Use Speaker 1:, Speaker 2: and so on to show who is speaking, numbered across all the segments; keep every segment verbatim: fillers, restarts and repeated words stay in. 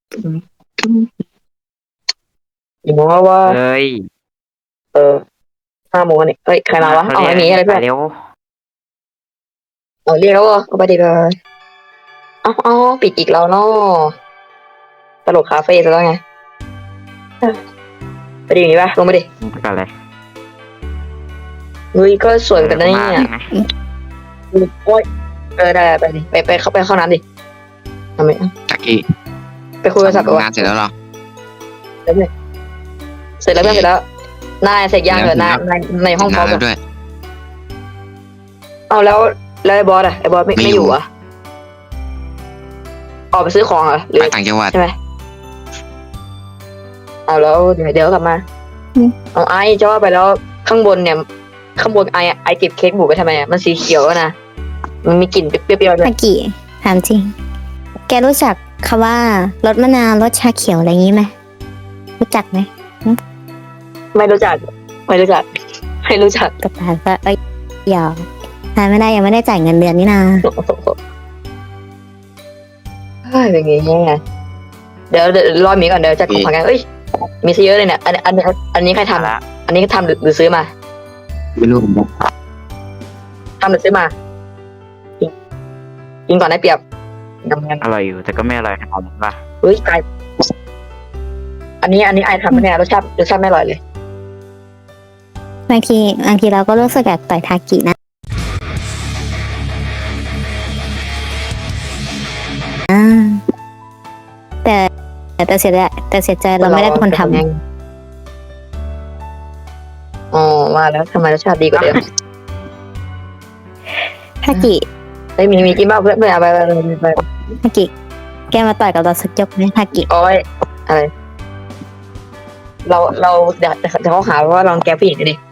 Speaker 1: อย่างว่าว่า
Speaker 2: เอ้ย
Speaker 1: เออห้าโมงนี่เฮ้ยใครมาวะ
Speaker 2: เขา
Speaker 1: เอาไอ้หมี
Speaker 2: เรียกอันนี้
Speaker 1: อะไรเพื่อน
Speaker 2: ไปเร็ว
Speaker 1: เอาเรียกแล้วเอาไปดีเลยเอาเอาปิดอีกแล้วเนาะตลกคาเฟ่ซะแล้วไงไปดีอย่างนี้ปะลงมาดิ
Speaker 2: มึงไปกันเลย
Speaker 1: เฮ้ยก็สวยเหมือนกันนะ
Speaker 2: เออกูมา
Speaker 1: เนี่ย
Speaker 2: เองนะ
Speaker 1: โอ้ยเออได้ไปดิไปไปเข้าไปเข้าน้ำดิทำไม
Speaker 3: จักกี้
Speaker 1: ไปคุยโทรศัพท์ไปวะ
Speaker 3: ทำงานเสร็จแล้วเหรอ
Speaker 1: เสร็จแล้วเสร็จแล้วเพื่อนเสร็จแล้วนายเสร็จยังเหรอนายนายในห้องพร้อม
Speaker 3: เสร็จ
Speaker 1: เหรอ
Speaker 3: แล้วด้วย
Speaker 1: เอาแล้วแล้วไอ้บอสอะไอ้บอสไม่
Speaker 3: ไม่
Speaker 1: ไม่
Speaker 3: อ
Speaker 1: อยู่ ยู่อะออกไปซื้อของเหรอหรือ
Speaker 3: ไปต่างจังหวัด
Speaker 1: ใช่ไหมเอาแล้วเดี๋ยวเดี๋ยวกลับมาเอาไอจะว่าไปแล้วข้างบนเนี่ย ข้างบนไอไอเก็บเค้กหมูไปทำไมอะมันสีเขียวอะนะมันมีกลิ่นเปรี้ยวๆด้วย
Speaker 4: อากิถามจริง แกรู้จักคำว่ารสมะนาวรสชาเขียวอะไรอย่างนี้ไหมรู้จักไหม
Speaker 1: ไม่รู้จักไม่รู้จักไม่รู้จัก
Speaker 4: ก็ถามว่าเอ้ยหยอกทานไม่ได้ยังไม่ได้จ่ายเงินเดือนนี่นา
Speaker 1: เฮ้ยเป็นไงเนี่ยเดี๋ยวเดี๋ยวรอหมีก่อนเดี๋ยวจัดของขวัญกันเอ้ยมีซะเยอะเลยเนี่ยอันอันอันอันนี้ใครทำ
Speaker 2: ละ
Speaker 1: อันนี้ทำหรือหรือซื้อมา
Speaker 3: ไม่รู้ผมบอก
Speaker 1: ทำหรือซื้อมากินกินก่อนได้เปรียบทำงาน
Speaker 2: อร่อยอยู่แต่ก็ไม่อร่อยขนาดนั้นป่ะ
Speaker 1: เฮ้ยไออันนี้อันนี้ไอทำเนี่ยรสชาติรสชาติไม่อร่อยเลย
Speaker 4: บางทีบางทีเราก็รู้สึกอยากต่อยทากินะอ่าแต่แต่เสียใจแต่เสียใจเราไม่ได้เป็นคนทำ
Speaker 1: อ๋อว่าแล้วทำไมรสชาติดีกว่าเดิม
Speaker 4: ทากิ
Speaker 1: เฮ้ยมีมีกินบ้างเพื่อนเพื่อนเอาไปไปไปไป
Speaker 4: ทากิ แกมาต่อยกับเราสักยกไหมทากิ
Speaker 1: โอ้ยอะไร เราเราเดี๋ยวเดี๋ยวเขาหาว่าลองแกผู้หญิงดิ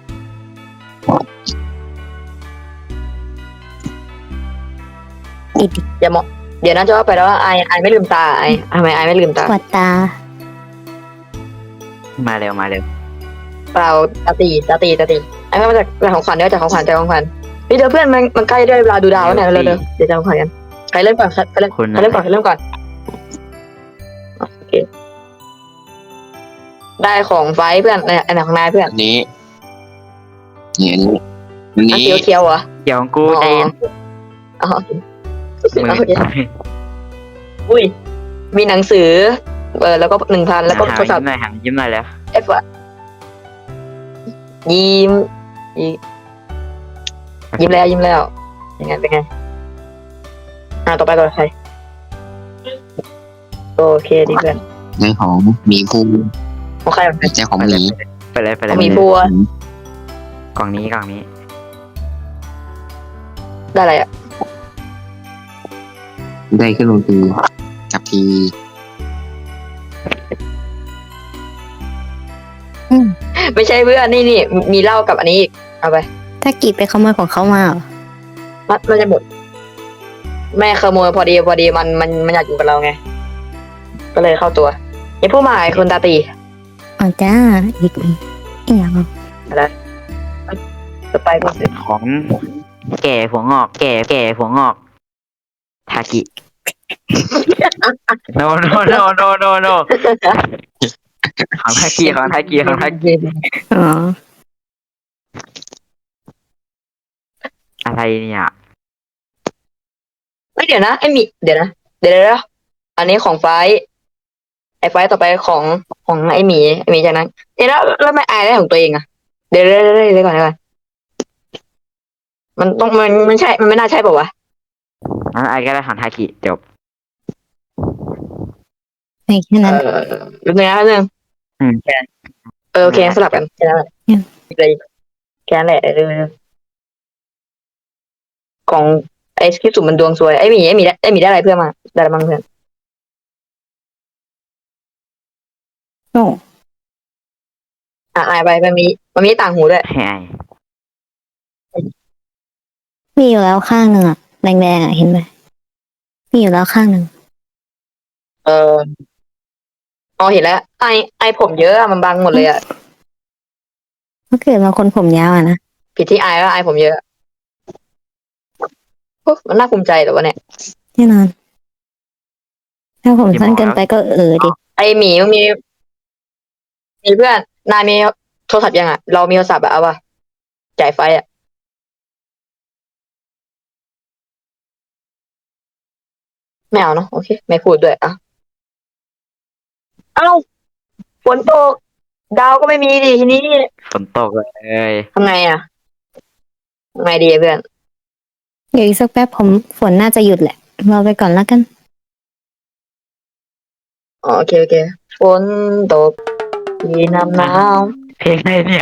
Speaker 4: อีก
Speaker 1: อย่ามองเดี๋ยวนะจะว่าไปแล้วว่าไอไอไม่ลืมตาไอทำไมไอไม่ลืมตา
Speaker 4: ปวดตา
Speaker 2: มาเร็วมาเร็ว
Speaker 1: เปล่าตาตีตาตีตาตีไอไม่มาจากจากของขวัญเดี๋ยวจากของขวัญจากของขวัญนี่เดี๋ยวเพื่อนมันมันใกล้ได้เวลาดูดาวแล้วเนี่ยเร็วเร็วเดี๋ยวจะของขวัญกันใครเริ่มก่อนใครเริ่ม
Speaker 2: คุณ
Speaker 1: ใครเริ่มก่อนใครเริ่มก่อนโอเคได้ของไฟเพื่อนเนี่ยอันไหนของนายเพื่อน
Speaker 3: อันนี้เนี่ยอันนี้อัน
Speaker 1: อัน
Speaker 3: นี้
Speaker 1: เขียวเขียวเหรอ
Speaker 2: เดี๋ยวของกูใจเย็น
Speaker 1: อ๋อ
Speaker 2: มือ
Speaker 1: โอเคอุ้ยมีหนังสือเออแล้วก็หนึ่งพันแล้วก็
Speaker 2: หา
Speaker 1: โทรศัพ
Speaker 2: ยิ้ม
Speaker 1: ท์
Speaker 2: หน่อยหายิ้มหน่อยแล้ว
Speaker 1: เอฟอะยิ้มยิ้มยิ้มแล้วยิ้มแล้วยังไงเป็นไงอ่าต่อไปต่อไปใครโอเคดีเพื่อน
Speaker 3: ในของหมีภู
Speaker 1: ของใครของใคร
Speaker 3: แต่ใจของหมี
Speaker 2: ไปเลยไปเลย
Speaker 1: ของหมีภูอะ
Speaker 2: กล่องนี้กล่องนี้
Speaker 1: ได้อะไรอ่ะ
Speaker 3: ได้ขึ้นลงทีกับที
Speaker 1: ไม่ใช่เพื่อนนี่นี่มีเหล้ากับอันนี้อีกเอาไป
Speaker 4: ทากิไปขโมยของเขามาเหรอ
Speaker 1: มันมันจะหมดแม่ขโมยพอดีพอดีมันมันมันอยากอยู่กับเราไง ก็เลยเข้าตัวไอ้ผู้หมายคนตาตี
Speaker 4: อ๋อจ้าอีกอีกอย่าง
Speaker 1: อะไรจะไปก็สิ
Speaker 2: ของแก่หัวงอก แก่แก่หัวงอกทากิ no no no no no no ของทากิของทากิของทากิ
Speaker 4: อ๋อ
Speaker 2: อะไรเนี่ย
Speaker 1: ไม่เดี๋ยวนะไอ้มีเดี๋ยวนะเดี๋ยวเดี๋ยวเดี๋ยวอันนี้ของไฟท์ไอ้ไฟท์ต่อไปของของไอ้หมีไอ้หมีจากนั้นเดี๋ยวแล้วแล้วไม่อายได้ของตัวเองอะเดี๋ยวเดี๋ยวเดี๋ยวเดี๋ยวก่อนเดี๋ยวก่อนมันต้องมันมันใช่มันไม่น่าใช่ป่าวะ
Speaker 2: งั้นไอ้ก็ได้ของทากิจบ
Speaker 4: ไอ้แค่
Speaker 1: เอ
Speaker 4: นั้น
Speaker 1: อแป๊บนึงนะแป๊บนึง
Speaker 2: อืมแค่
Speaker 1: เออโอเคสลับกันแค่นั้นแหละ
Speaker 4: อืม
Speaker 1: เลยแค่นั้นแหละเออของไอ้ที่สุ่มมันดวงซวยไอ้หมีไอ้หมีได้ไอ้หมีได้อะไรเพื่อนมาได้อะไรบ้างเพื่อน
Speaker 4: โอ้
Speaker 1: อ่ะอายไปมันมีมันมีต่างหูด้วย
Speaker 2: ให้ไอ้
Speaker 4: มีอยู่แล้วข้างหนึ่งอะแดงๆอะเห็นไหมมีอยู่แล้วข้างหนึ่ง
Speaker 1: เอออ๋อเห็นแล้วไอไอผมเยอะอะมันบังหมดเลยอะ
Speaker 4: เมื่อเกิดมาคนผมยาวอะนะ
Speaker 1: ผิดที่ไอว่าไอผมเยอะโอ้มันน่าภูมิใจเหรอวะเนี่ย
Speaker 4: แน่นอนทถ้าผมสั้นเกินไปก็เออดิ
Speaker 1: ไอหมีมีมีเพื่อนนายมีโทรศัพท์ยังอ่ะเรามีโทรศัพท์อะเอาป่ะจ่ายไฟอ่ะไม่เอาเนาะโอเคไม่พูดด้วยอ่ะเอ้าฝนตกดาวก็ไม่มีดิทีนี้
Speaker 2: ฝนตกเลย
Speaker 1: ทำไงอ่ะทำไงดีอะเพื่อน
Speaker 4: เดี๋ยวอีกสักแป๊บผมฝนน่าจะหยุดแหละรอไปก่อนแล้วกัน
Speaker 1: อ๋อโอเคโอเคฝนตกที่น้ำหนาว
Speaker 2: เพลงอะไรเนี่ย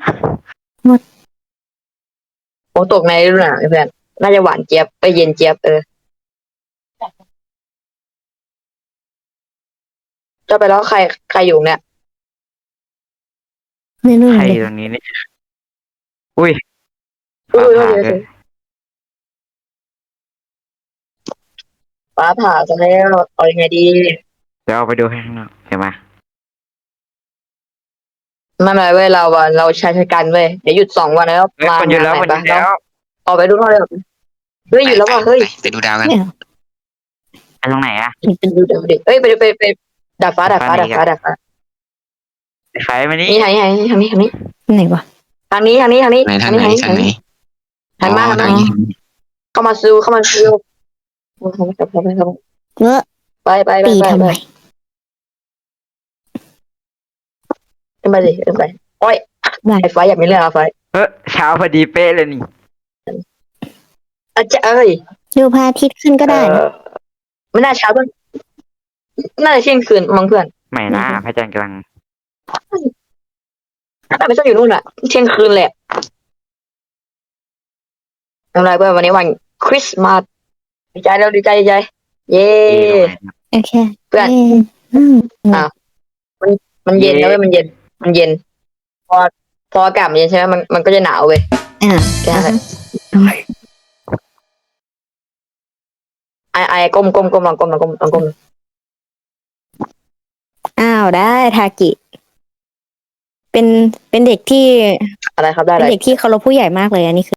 Speaker 1: ฝนตกในฤดูหนาวเพื่อนน่าจะหวานเจี๊ยบไปเย็นเจี๊ยบเออจะไปแล้วใครใครอยู่เนี่ย
Speaker 4: ไม่รู้
Speaker 2: ใคร
Speaker 4: เล
Speaker 2: อย ยู่ตรงนี้เนี่ยอุ้ย
Speaker 1: อุ้
Speaker 2: ฟ้าย ผ่า
Speaker 1: โอเคโอ
Speaker 2: เล
Speaker 1: เค
Speaker 2: ย
Speaker 1: ฟ้าผ่าซะแล้วเอายังไงดี
Speaker 2: เดี๋ยวเอาไปดูให้ข้างนอกเดี๋ยวมา
Speaker 1: ไม่เป็นไรเว้ยเราอะเราใช้ชะกันเว้ยเดี๋ยวหยุดสองวันแล้ว
Speaker 2: เฮ้ย
Speaker 1: มา
Speaker 2: คนหยุดแล้ว
Speaker 1: งา
Speaker 2: คน น
Speaker 1: ไห
Speaker 2: ห
Speaker 1: น
Speaker 2: ยุด
Speaker 1: ปะ
Speaker 2: แล้ว
Speaker 1: ออกไปดูข้างนอกเลยเฮ้ยหยุดแล้วว่ะเฮ้ย
Speaker 3: ไปไปดูดาวกัน
Speaker 4: เนี่ย
Speaker 2: ไปตรงไหนอะ
Speaker 1: ไปดูเดี๋ยวดิเฮ้ยไปไปไปดาดฟ้าดาดฟ้า
Speaker 2: ดา
Speaker 1: ดา
Speaker 2: ด
Speaker 1: ด
Speaker 2: ฟ้า
Speaker 1: ฟ้าดาดฟ้า
Speaker 2: ไฟมานี่
Speaker 1: นี่ทางนี้ทางนี้ทางนี้ทางนี้
Speaker 4: ไหนวะ
Speaker 1: ทางนี้ทางนี้ทางนี้
Speaker 3: ไหนทาง
Speaker 1: นี้
Speaker 3: ไหนทางไหน
Speaker 1: ทางมา
Speaker 3: อ๋อ
Speaker 1: ทาง
Speaker 3: ทาง
Speaker 1: มา
Speaker 3: นี้
Speaker 1: เข้ามาซูเข้ามาซูเข้ามาเข้ามาเข้ามา
Speaker 4: เออ
Speaker 1: ไปไปไป
Speaker 4: ตี
Speaker 1: ไป
Speaker 4: ทำ
Speaker 1: ไป
Speaker 4: ไม
Speaker 1: ขึ้นไปดิขึ้นไปโอ้ย
Speaker 4: ได้
Speaker 1: ไอ้ไฟอยากมีเรื่องอะไฟ
Speaker 2: เฮ้ยเช้าพอดีเป๊ะเลยนี่
Speaker 1: อาจจะเอ้ย
Speaker 4: ดูพระอาทิตย์ขึ้นก็ได้
Speaker 1: เอ
Speaker 4: นะ
Speaker 1: อไม่น่าเช้าเพื่อนน่าจะเที่ยงคืนมั้งเพื่อน
Speaker 2: ไม่นะพระจันทร์กำลัง
Speaker 1: น่าไม่ต้องอยู่นู่นอะเที่ยงคืนแหละทำไรเพื่อนวันนี้วันคริสต์มาสดีใจแล้วดีใจดีใจ เย้
Speaker 2: เอ๊ะตรงไหนนะ
Speaker 4: โอเค
Speaker 1: เพื่อน
Speaker 4: ย้อืม
Speaker 1: มันเย็นนะเว้ยมันเย็น มันเย็น พอพออากาศมันเย็นใช่ไหมมันมันก็จะหนาวเว้ย
Speaker 4: อ่า
Speaker 1: แค่นั้นแหละ
Speaker 4: อ่า
Speaker 1: ไอไอก้มก้มก้มลองก้มลองก้มลองก้ม
Speaker 4: อ้าวได้ทากิ เป็นเป็นเด็กที่
Speaker 1: อะไรครับได้
Speaker 4: เป็
Speaker 1: เล
Speaker 4: น
Speaker 1: ย
Speaker 4: เด็กที่เคารพผู้ใหญ่มากเลยอันนี้คือ